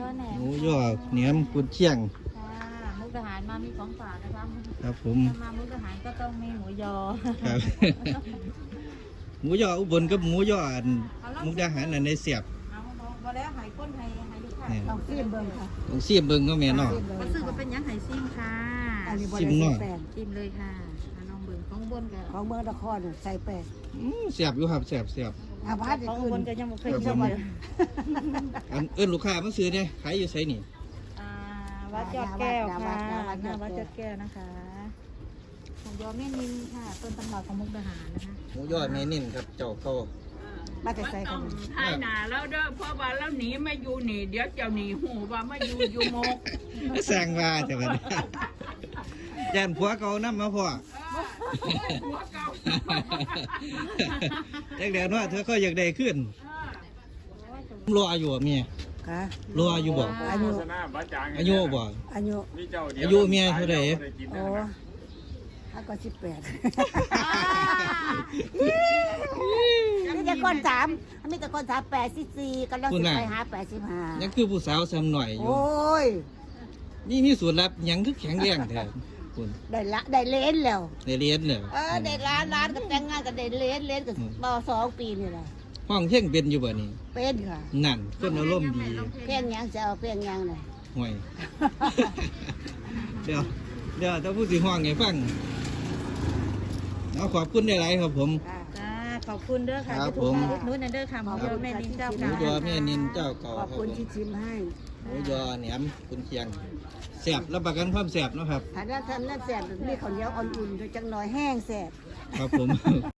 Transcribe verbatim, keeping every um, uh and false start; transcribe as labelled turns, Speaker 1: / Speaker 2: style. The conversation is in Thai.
Speaker 1: แหนม
Speaker 2: หมูยอเหนียมกุนเชียง
Speaker 1: ค่ะมุกทหารมามีของฝากนะคะ
Speaker 2: ครับผม
Speaker 1: ถ้ามามุกทหารก็ต้องมีหมูยอ
Speaker 2: ครับ หมูยออุบลกับหมูยออันมุกดาหารอันในเสียบ
Speaker 1: เอาพอแล้วหายก้นหายหายลูกค้า
Speaker 2: เนี่ย
Speaker 3: เอาซีมเบิ่งค่ะ
Speaker 2: ต้องเสียบเบิ่งก็แม่เนาะ
Speaker 1: ก็ซื้อก็เป็นยังหายซิ่งค่ะ
Speaker 3: อันนี้บ
Speaker 2: ซิ
Speaker 3: ริ
Speaker 2: มหน่
Speaker 3: สุ
Speaker 2: อย
Speaker 3: ทธิ์แปด
Speaker 1: จิ้มเลยค่ะเอาน้องเบิ่งของบนกับ
Speaker 3: ของเมืองนครน่ะใส่แปด
Speaker 2: อืมเสียบอยู่ครับเสียบเสียบ
Speaker 3: อาพัด
Speaker 1: ของ
Speaker 3: ขึ้
Speaker 1: บน
Speaker 3: น
Speaker 1: ก็ยังไม่เคย
Speaker 2: ครับ
Speaker 1: ชิม
Speaker 2: ผม
Speaker 1: เลย
Speaker 2: อันเอิ้นลูกค้ามาซื้อเนี่ยขายอยู่ไสนี่
Speaker 1: อ่าวัดยอดแก้วค่ะหน้าวัดยอดแก้วนะคะหมูยอแม่นินค่ะต้นตำรับของมุกทหารนะคะ
Speaker 2: หมูยอแม่นิ่นครับเจ้าเก่า
Speaker 3: มาแต่ใส่กัน
Speaker 4: ให้หนาแล้วเด้อเพราะว่าแล้วหนีไม่อยู่หนีเดี๋ยวเจ้าหนีหูว่าไม่อยู่อยู่โมก
Speaker 2: สร้างว่าแต่ว่า ย่านผัวเก่านำมาพ่อ
Speaker 4: หัวเก่า
Speaker 2: จักแดนว่าเธอก็อยากได้ขึ้นรออยู่อะเมีย
Speaker 3: ค่ะ
Speaker 2: รออยู่บ่
Speaker 3: อายุ
Speaker 2: อายุบ่
Speaker 3: อายุ
Speaker 2: อายุเมียเท่าไหร่
Speaker 3: โอ้ถ้าก็สิบแปดมีแต่คนสามมีแต่คนสามแปดสิบสี่กำลังสิไปหาแปดสิบห้า
Speaker 2: ยังคือผู้สาวซ้ำหน่อยอยู่
Speaker 3: โอ้ย
Speaker 2: นี่มีสูตรลับหยังคือแข็งแรงแท้คุณ
Speaker 3: ได้ละได้เลนแล้ว
Speaker 2: ได้เรียนเลย
Speaker 3: เออได้ร้านร้านก็แต่งงานก็ได้เลนเลนก็ต่อสองปีนี่แหละ
Speaker 2: ห้องเพ่งเป็นอยู่บ่นี่
Speaker 3: เป็นค่ะ
Speaker 2: นั่นคนอารมณ์ดี
Speaker 3: เพียงยังจะเอาเพียงยังเลย
Speaker 2: ห่วย เดี๋ยวเดี๋ยวถ้าพูดสิห้องให้ฟังเอาขอบคุณได้หลายครับผม
Speaker 3: ค่ะ
Speaker 1: จ้าขอบคุณเด้อค่ะ
Speaker 2: ครับ
Speaker 1: ที่ถูก
Speaker 2: ผม
Speaker 1: มาอุดหนุนนะเด้อค่ะหมูยอแม่นินเจ้า
Speaker 2: หมู
Speaker 1: เก่าย
Speaker 2: อแม่นินเจ้าเก่า
Speaker 3: ขอบ
Speaker 2: ครับ
Speaker 3: คุณ
Speaker 2: ผม
Speaker 3: ที่ชิมให้
Speaker 2: หมูยอแหนมคุณเคียงแซ่บรับประกันความแซ่บเนาะครับ
Speaker 3: ถ้าได้ทำนั่นแสบมีข้าวเหนียวอ่อนๆจังหน่อยแห้งแสบ
Speaker 2: ครับผม